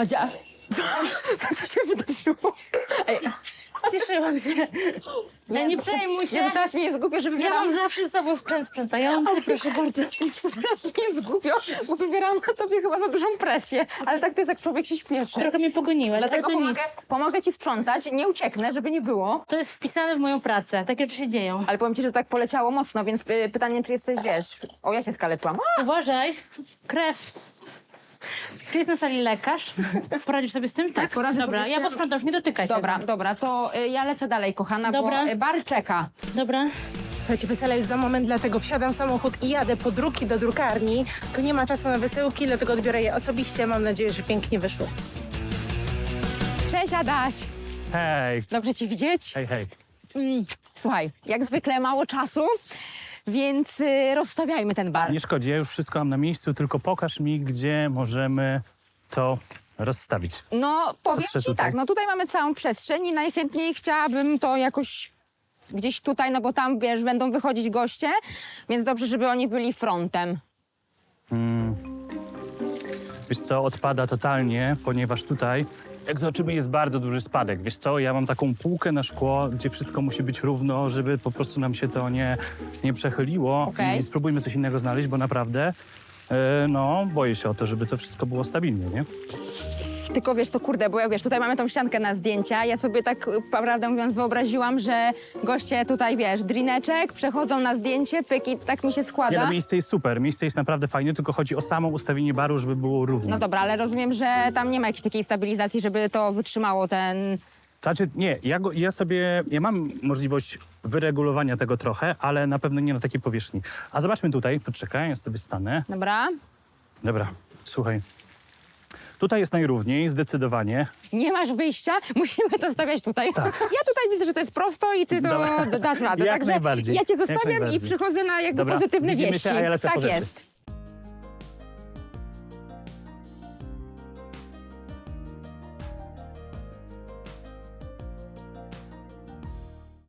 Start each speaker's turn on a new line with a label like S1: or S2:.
S1: Madzia, co się wydarzyło? Ej,
S2: Spieszyłam się. Ja nie przejmuj się.
S1: nie, teraz mi jest głupio, że
S2: Ja
S1: wybieram...
S2: mam zawsze z sobą sprzęt sprzątający, proszę bardzo.
S1: Teraz mi jest głupio, bo wybieram na tobie chyba za dużą presję. Ale tak to jest, jak człowiek się śpieszy.
S2: Trochę mnie pogoniłaś,
S1: Dlatego
S2: ale to nic.
S1: pomogę ci sprzątać, nie ucieknę, żeby nie było.
S2: To jest wpisane w moją pracę. Takie rzeczy się dzieją.
S1: Ale powiem ci, że tak poleciało mocno, więc pytanie, czy jesteś, wiesz... O, ja się skaleczyłam.
S2: Uważaj. Krew. Czy jest na sali lekarz? Poradzisz sobie z tym? Tak,
S1: poradzę
S2: Dobra,
S1: sobie z
S2: ja
S1: tym.
S2: posprzątam, już nie dotykaj
S1: Dobra,
S2: tego.
S1: dobra, to ja lecę dalej, kochana,
S2: Dobra.
S1: bo bar czeka.
S2: Dobra.
S3: Słuchajcie, wesele jest za moment, dlatego wsiadam w samochód i jadę po druki do drukarni. Tu nie ma czasu na wysyłki, dlatego odbiorę je osobiście. Mam nadzieję, że pięknie wyszło.
S1: Cześć, Adaś.
S4: Hej,
S1: Dobrze cię widzieć.
S4: hej, hej.
S1: Słuchaj, jak zwykle mało czasu, więc rozstawiajmy ten bar.
S4: Nie szkodzi, ja już wszystko mam na miejscu, tylko pokaż mi, gdzie możemy to rozstawić.
S1: No, powiem
S4: Patrzę
S1: ci
S4: tutaj.
S1: tak, no tutaj mamy całą przestrzeń i najchętniej chciałabym to jakoś gdzieś tutaj, no bo tam, wiesz, będą wychodzić goście, więc dobrze, żeby oni byli frontem.
S4: Wiesz co, odpada totalnie, ponieważ tutaj, jak zobaczymy, jest bardzo duży spadek. Wiesz co, ja mam taką półkę na szkło, gdzie wszystko musi być równo, żeby po prostu nam się to nie przechyliło.
S1: Okej.
S4: I spróbujmy coś innego znaleźć, bo naprawdę, no, boję się o to, żeby to wszystko było stabilnie, nie?
S1: Tylko wiesz co, kurde, bo ja wiesz, tutaj mamy tą ściankę na zdjęcia. Ja sobie tak, prawdę mówiąc, wyobraziłam, że goście tutaj, wiesz, drineczek, przechodzą na zdjęcie, pyk i tak mi się
S4: Nie,
S1: składa.
S4: no, miejsce jest super, miejsce jest naprawdę fajne, tylko chodzi o samo ustawienie baru, żeby było równo.
S1: No dobra, ale rozumiem, że tam nie ma jakiejś takiej stabilizacji, żeby to wytrzymało ten...
S4: Znaczy, nie, ja mam możliwość wyregulowania tego trochę, ale na pewno nie na takiej powierzchni. A zobaczmy tutaj, poczekaj, ja sobie stanę.
S1: Dobra?
S4: Dobra, słuchaj. Tutaj jest najrówniej, zdecydowanie.
S1: Nie masz wyjścia, musimy to stawiać tutaj.
S4: Tak.
S1: Ja tutaj widzę, że to jest prosto i ty to
S4: Dobra.
S1: dasz radę.
S4: Jak
S1: Także
S4: najbardziej,
S1: ja cię
S4: jak
S1: zostawiam i
S4: najbardziej.
S1: przychodzę na jakby
S4: Dobra,
S1: pozytywne
S4: widzimy
S1: wieści.
S4: się, a ja lecę
S1: Tak
S4: po rzeczy.
S1: jest.